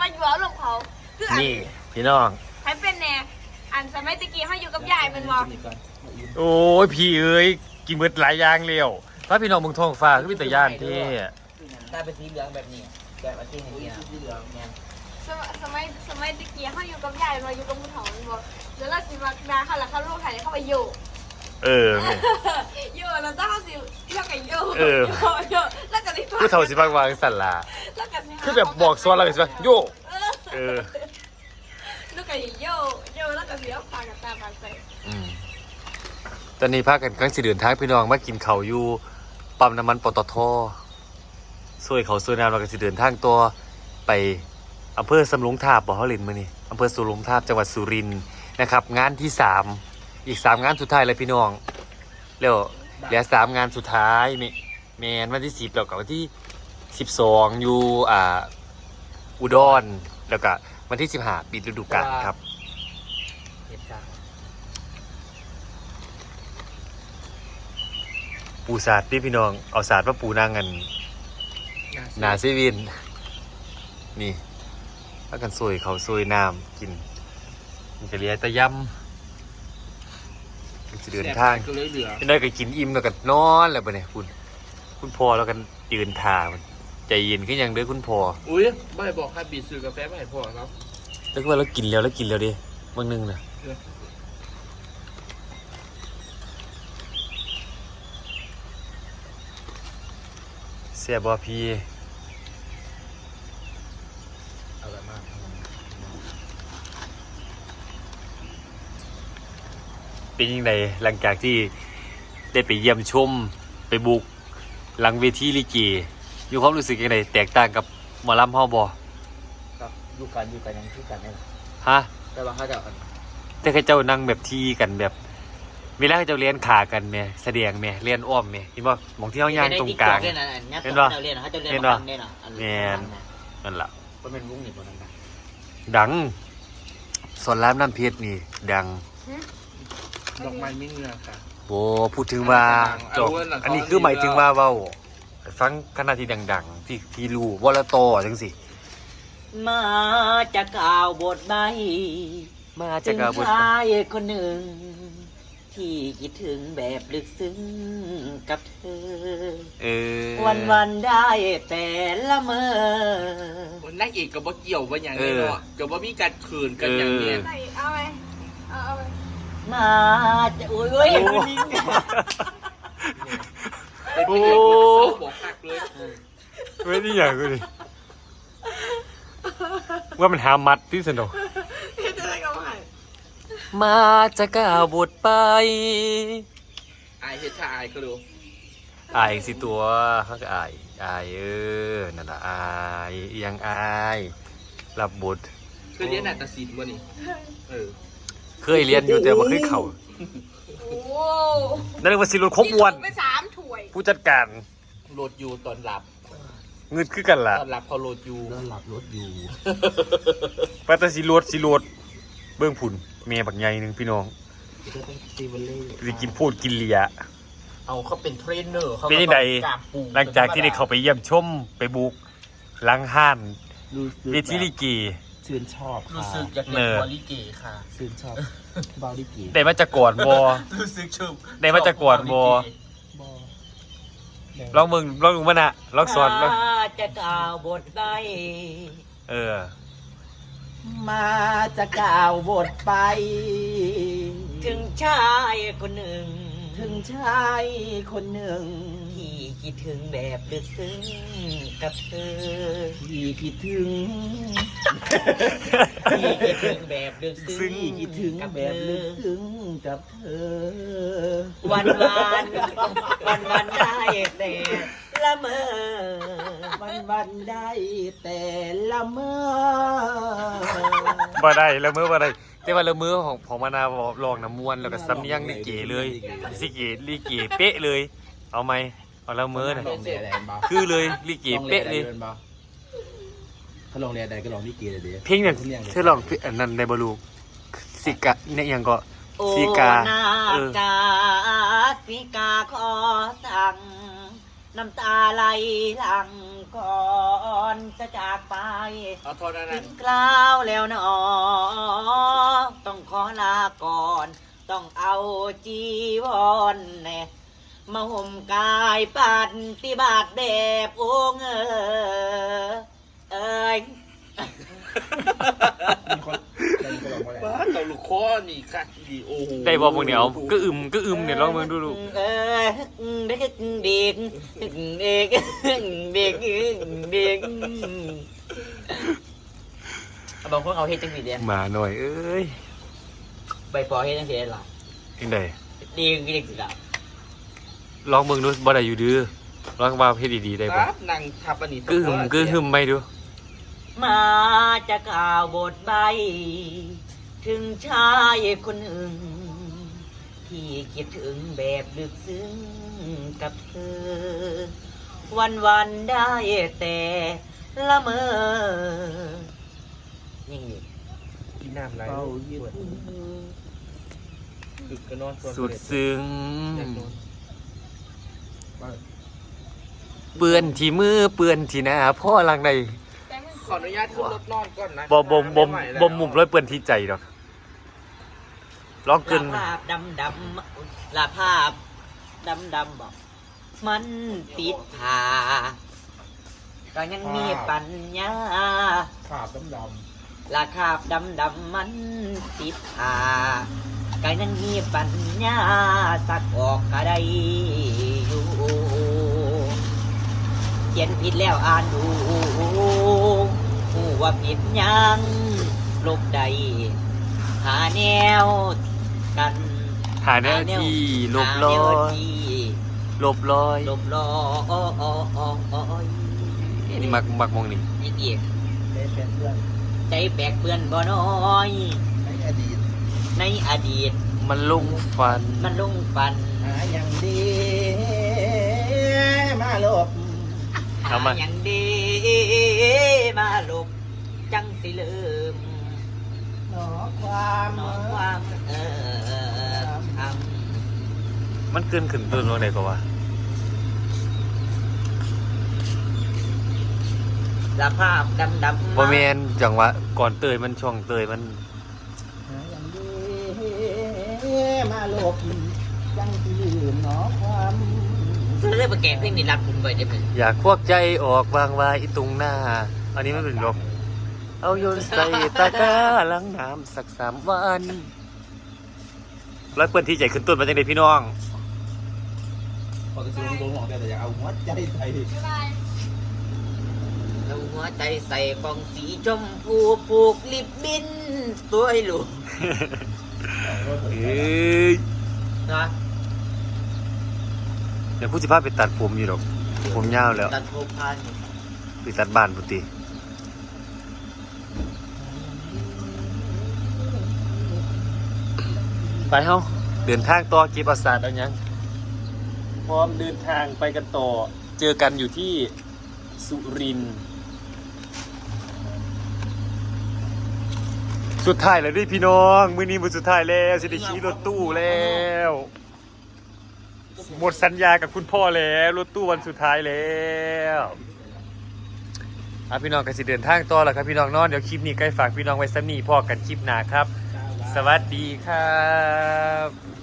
มาอยู่เอาลงเขาคืออันนี่พี่น้องให้เป็นแน่อันสมัยตะกี้เขาอยู่กับยายเป็นบอกโอ้ยพี่เอ้ยกินเบิดหลายอย่างเร็วถ้าพี่น้องเมืองทองฟ้าคือมีแต่ย่านเท่ถ้าเป็นสีเหลืองแบบนี้แบบอาทิตย์นี้สีเหลืองเนี่ยสมัยตะกี้เขาอยู่กับยายมาอยู่กับผู้เฒ่าเป็นบอกเดี๋ยวเราสิมาดาเขาแล้วเขาลูกไทยเขาไปอยู่เออแม่อยู่แล้วเจ้าเขาสิเท่ากับอยู่เอออยู่แล้วก็ได้ผู้เฒ่าสิบางวางสันลาแล้วก็สิคือแบบบอกซ้อนแล้วก็สิว่าโยเออลูกก็โยแล้วก็สิเอาปากกับตาปากใส่ตอนนี้พากันกำลังสิเดินทางพี่น้องมากินข้าวอยู่ปั๊มน้ำมันปตทซวยเขาซวยน้ำเราก็สิเดินทางตัวไปอำเภอสำโรงทาบบ่เฮาเล่นมื้อนี้อำเภอสำโรงทาบจังหวัดสุรินทร์นะครับงานที่3อีก3งานสุดท้ายเลยพี่น้องแล้วเหลือ3งานสุดท้ายแม่นวันที่10แล้วก็วันที่12อยู่อุดรแล้วก็วันที่15ปิดฤดูกาลครับเหตุการณ์ปูศาสตร์ที่พี่น้องเอาศาสตร์มาปูนางกันนาซีวินนี่ถ้ากันซวยเขาซวยน้ำกินมันจะเรียกตะยำมันจะเดินทางก็เลยเหลือเป็นได้ก็กินอิ่มแล้วก็นอนแล้วปะเนี่ยคุณพ่อแล้วกันยืนทามันใจเย็นขึ้นยังเด้อคุณพ่ออุ้ยไม่บอกให้บีซื้อกาแฟมาให้พ่อครับแล้วก็ว่าเรากินแล้วดิบางนึงนะเสียบอพีอร่อยมากเป็นยังไงหลังจากที่ได้ไปเยี่ยมชมไปบุกหลังเวทีลิเกอยู่ความรู้สึกยังไงแตกต่างกับหมอลำเฮาบ่ครับอยู่กันยังที่กันนี่แหละฮะแต่ว่าเขาจะแต่เขาเจ้านั่งแบบที่กันแบบเวลาเขาเจ้าเรียนขากันแม่แสดงแม่เรียนอ้อมแม่เห็นบ่หมองที่เฮาย่างตรงกลางเห็เห็นนป่ะปะเขาจะเรียนเขาจะเรียนเห็นมาปะทำเนี่ยนะแม่น นั่นล่ะก็เป็นวงหนีบนนั้นดังสอนรามน้ำเพชรนี่ดังดอกไม้ไม่เงือกค่ะโอ้พูดถึงว่าเอาเว้ยหลังอันนี้เขาคือหมายถึงว่าเว้าฟังคณะที่ดังๆที่รู้วลตจังสิมาจะกล่าวบทใบมาจาถึกงกาบุตรชายคนหนึ่ง ที่คิดถึงแบบลึกซึ้งกับเธอเออวันได้แต่ละเมอนักเอกกับว่าเกี่ยวว่าอย่างนี้เนาะกับว่ามีการขืนกันอย่างนี้ใส่เอาไปเอาไปมาจะอุ้ยโอ้คนนี้เป็นพระเอกเลยเศร้าบอกหักเลยไม่ได้อย่างกูดิว่ามันหามัดที่สนุกเฮ็ดอะไรกันวะมาจะก้าวบทไปอายเฮ็ดชาอายก็ดูอายสิตัวเขาก็อายนั่นละอายอีหยังอายรับบทเคยเรียนนาฏศิลป์วะนี่เคยเรียนอยู่แต่ว่าเคยเข่าโอ้นั่นเรียกว่าสิรุนครบวนไป3 ถ้วยผู้จัดการโหลดอยู่ตอนหลับเงินคือกันล่ะตอนหลับเขาโหลดอยู่นอนหลับรถอยู่ปัตตสิรวดเบื้องผุนเมียบักใหญ่หนึงพี่น้องจะเป็นซีวันเล่สิกินพูดกินเหลียเอาเขาเป็นเทรนเนอร์เขาเป็นยังไงหลังจากที่ได้เข้าไปเยี่ยมชมไปบุกหลังห้านรู้สึกเวทีลิเกชื่นชอบรู้ค่ะสึกอยากเล่นบอลลิเกค่ะชื่นชอบบาลิกีได้มาจากก่อนบอรู้สึกชมได้มาจากก่อนบ่บอลองมึงมันอะลองสอนลองมาจะกล่าวบทใบเออมาจะกล่าวบทไป ถึงชายคนหนึ่ง ถึงชายคนหนึ่ง ที่คิดถึงแบบลึกซึ้งกับเธอ ที่คิดถึง ที่คิดถึงแบบลึกซึ้งที่คิดถึงกับแบเธบ อลึกซึ้งกับเธอ วันได้แต่ละเมอวันได้แต่ละเมอบ่ได้ละเมอบ่ได้แต่ว่าละเมอของมานาวลองน้ำมวนแล้วก็สำเนียงลิเกเลยลิเกเป๊ะเลย เอาไหมเอาละเมอน่ะลงเรียนอะไรบ้างคือเลยลิเกเป๊ะเลยถ้าลงเรียนใดก็ลองลิเกเลยดิเพลงเนี่ยเธอลองอันนั้นในบลูสิกะเนี่ยยังก็โอ้สิกานาเออกาสิกาขอสั่ง น้ำตาไหลหลังก่อนจะจากไปเอาโทษนะถึนั่นงกล่าวแล้วหนอต้องขอลาก่อน ต้องเอาจีวรแน่มาห่มกายปฏิบัติแบบองค์เอ้ยมีคนร้องว่าอะไรบ้านเราลูกคอนี่คักดีโอ้โหได้บอกมึงเนี่ยเอาก็อึมเนี่ยลองมึงดูลูกเอ้ยเด็กเด็กเด็กเด็กเด็กบางคนเอาเฮ็ดจังสีเดียมาหน่อยเอ้ยใบปอเฮ็ดจังสีหรอยังไงดีกินสิล่ะลองมึงดูบ่ได้อยู่ดื้อลองว่าเพศดีๆได้บ่ครับนั่งทับอันนี้ก็หึมไม่ดูมาจะกล่าวบทใบ ถึงชายคนหนึ่ง ที่คิดถึงแบบลึกซึ้งกับเธอ วันได้แต่ละเมอนี่กินน้ำไรเป้ายืดดึกก็นอนส่วนสุดซึ้งอยากนอนเปื้อนที่มือเปื้อนที่หน้าพ่อหลังใดแต่มึงขออนุญาตขึ้นรถนอนก่อนนะบ่มุมร้อยเปื้อนที่ใจดอกลองลาเกินภาพดำลาภาพดำบอก มันติดผาก็ยังมีปัญญาขาบดำราคาบดำมันติดผาก็ยังมีปัญญาสักออกก็ได้อยู่เขียนผิดแล้วอ่านดูหูว่าผิดยังลบใดหาแนวกันหาแนวที่ลบหาลแนอวย ที่ลบลอยลบลอยนี่มักมองนี่อีกๆได้เป็นเพื่อนใจแบกเปื้อนบ่น้อยในอดีตในอดีตมันลงฟันมันลงปันหาอย่างดีมาหลบเอามาอย่างดีมาหลบจังสิเลิมหนอความน้องความทมันเกินขึ้นต้นลงไหนก็ว่าำละภาพดำบ่แม่นจังหวะก่อนเตยมันช่องเตยมันหาอย่างดีมาหลบยังที่ลืมหนอความซื้อเลยไปแกะเพลงนี้รับคุณไว้ได้ไหมอยากควักใจออกวางไว้ตรงหน้า อันนี้มันเป็นลบเอาโยนใส่ตะกร้าล้างน้ำสัก3 วันแล้วเปิ้นที่ใจขึ้นต้นมาจังได๋พี่น้องพอจะซื้อตัวหมอกแต่อยากเอาหัวใจใส่บ๊ายบายแล้วหัวใจใส่กล่องสีชมพูผูกลิบบิ้นตัวให้ลูกเอ้ยนะเดี๋ยวผู้สิพาไปตัดผมอยู่ดอกผมยาวแล้วตัดผมพันไปตัดบ้านพุติไปเฮาเดินทางต่อเก็บอาสาดเอาหยังพร้อมเดินทางไปกันต่อ เจอกันอยู่ที่สุรินทร์สุดท้ายแล้วเดิพี่น้องมื้อนี้มื้อสุดท้ายแล้วสิได้ขี่รถตู้แล้ว หมดสัญญากับคุณพ่อแล้วรถตู้วันสุดท้ายแล้วพี่น้องก็สิเดินทางต่อแล้วครับพี่น้องเนอนเดี๋ยวคลิปนี้ใกล้ฝากพี่น้องไว้ซ้ำนี้พ่อกันคลิปหน้าครับ สวัสดีครับ